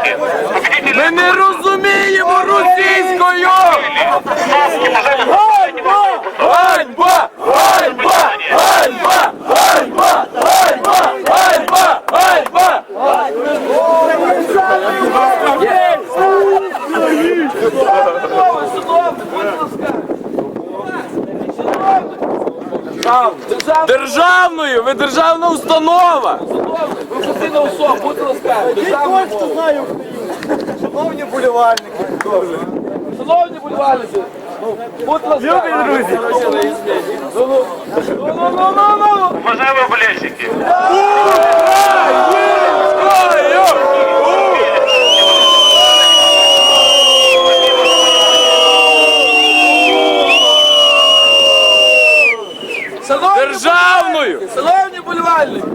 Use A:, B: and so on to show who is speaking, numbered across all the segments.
A: вболівальники.
B: Ми не розуміємо російською! Ганьба! Ганьба! Ганьба! Ганьба! Ганьба! Ганьба! Ганьба! Державною! Ви державна установа!
C: Ви офіційна особа, будьте ласкаві.
D: Той, хто знає Україну. Шановні болівальники.
C: Шановні болівальники, будьте ласкаві.
D: Любі друзі.
A: Уважаємо болельщики.
B: Державною!
C: Шановні болівальники.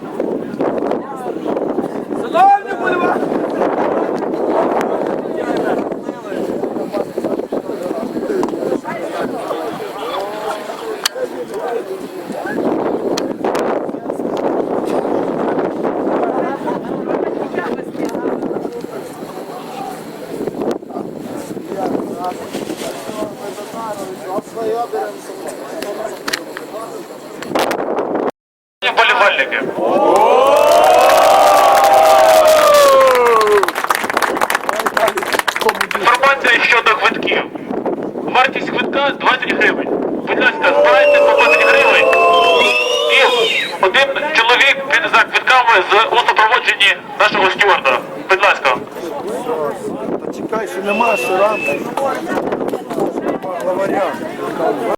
C: Шановні болівальники.
A: Болівальники. Інформація щодо квитків. Вартість квитка 20 гривень. Будь ласка, збирайте по 20 гривень. І один чоловік піде за квитками у супроводженні нашого стюарда. Будь ласка.
D: Чекай, що нема, що рано. Главаря.